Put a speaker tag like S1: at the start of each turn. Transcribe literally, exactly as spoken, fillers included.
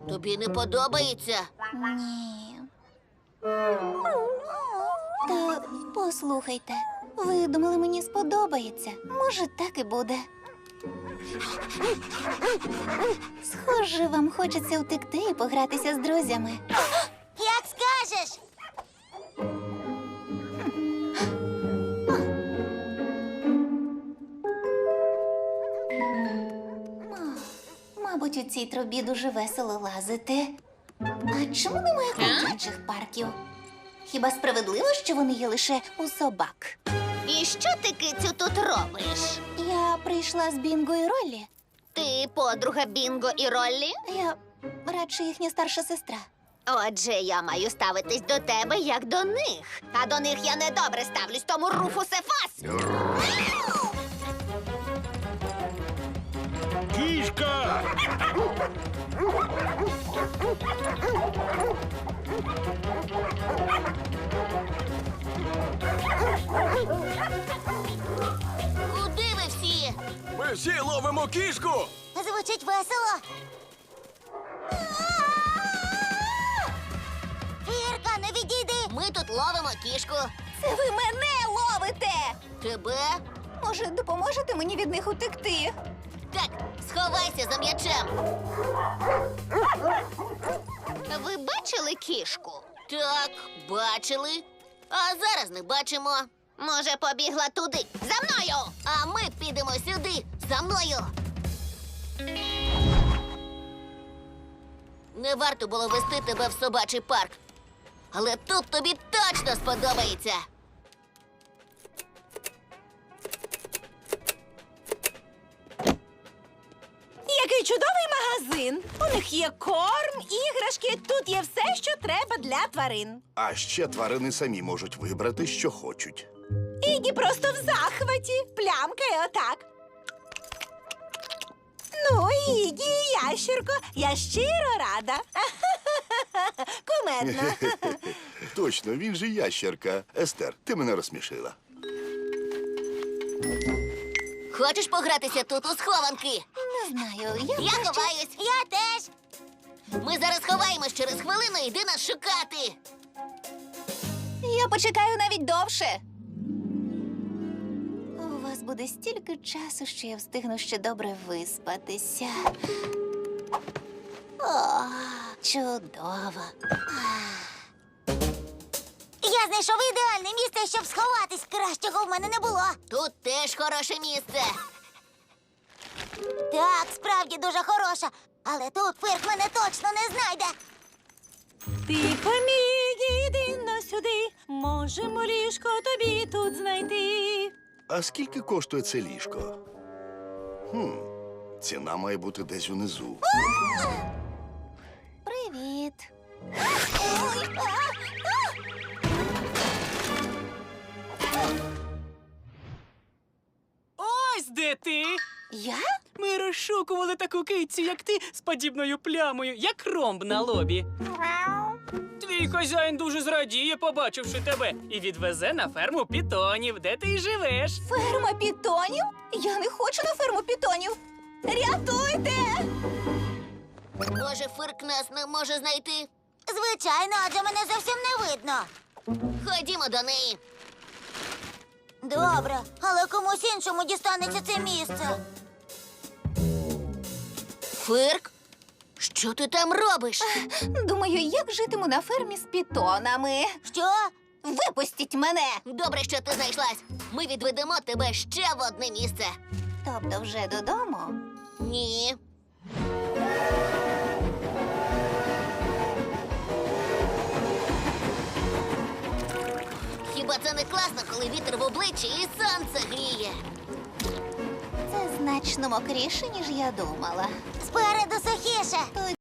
S1: Тобі не подобається?
S2: Ні. Та послухайте, ви думали, мені сподобається? Може, так і буде. Схоже, вам хочеться втекти і погратися з друзями.
S3: Як скажеш.
S2: Мабуть, у цій трубі дуже весело лазити. А чому немає ходячих парків? Хіба справедливо, що вони є лише у собак?
S1: І що ти, кицю, тут робиш?
S2: Я прийшла з Бінго і Роллі.
S1: Ти подруга Бінго і Роллі?
S2: Я радше їхня старша сестра.
S1: Отже, я маю ставитись до тебе, як до них. А до них я недобре ставлюсь, тому Руфусе фас!
S4: Кішка!
S1: Куди ви всі?
S4: Ми всі ловимо кішку!
S3: Звучить весело. Фірка, не відійди.
S1: Ми тут ловимо кішку.
S2: Це ви мене ловите!
S1: Тебе?
S2: Може, допоможете мені від них утекти?
S1: Так, сховайся за м'ячем. Ви бачили кішку? Так, бачили. А зараз не бачимо. Може, побігла туди. За мною! А ми підемо сюди. За мною. Не варто було вести тебе в собачий парк. Але тут тобі точно сподобається.
S5: Який чудовий магазин! У них є корм, іграшки, тут є все, що треба для тварин.
S6: А ще тварини самі можуть вибрати, що хочуть.
S5: Ігі просто в захваті, плямкає отак. Ну, Ігі, ящерко, я щиро рада. Кумедно.
S6: Точно, він же ящерка. Естер, ти мене розсмішила.
S1: Хочеш погратися тут у схованки?
S2: Не знаю, я...
S1: Я ховаюсь.
S3: Я теж.
S1: Ми зараз ховаємось, через хвилину йди нас шукати.
S2: Я почекаю навіть довше. У вас буде стільки часу, що я встигну ще добре виспатися. О, чудово.
S3: Я знайшов ідеальне місце, щоб сховатись. Кращого в мене не було.
S1: Тут теж хороше місце.
S3: Так, справді дуже хороша. Але тут Фирк мене точно не знайде.
S5: Тихо, Мігі, йди но сюди. Можемо ліжко тобі тут знайти.
S6: А скільки коштує це ліжко? Хм, ціна має бути десь унизу.
S2: Привіт.
S7: Ось де ти!
S2: Я?
S7: Ми розшукували таку кицю, як ти, з подібною плямою, як ромб на лобі. Твій хазяїн дуже зрадіє, побачивши тебе, і відвезе на ферму пітонів, де ти й живеш.
S2: Ферма пітонів? Я не хочу на ферму пітонів. Рятуйте!
S1: Може, Фирк нас не може знайти?
S3: Звичайно, адже мене зовсім не видно.
S1: Ходімо до неї.
S3: Добре, але комусь іншому дістанеться це місце.
S1: Фирк? Що ти там робиш?
S2: Думаю, як житиму на фермі з пітонами.
S3: Що?
S2: Випустіть мене!
S1: Добре, що ти знайшлась. Ми відведемо тебе ще в одне місце.
S2: Тобто вже додому?
S1: Ні. Хіба це не класно, коли вітер в обличчі і сонце гріє?
S2: Це значно мокріше, ніж я думала.
S3: Спереду сухіше.
S2: То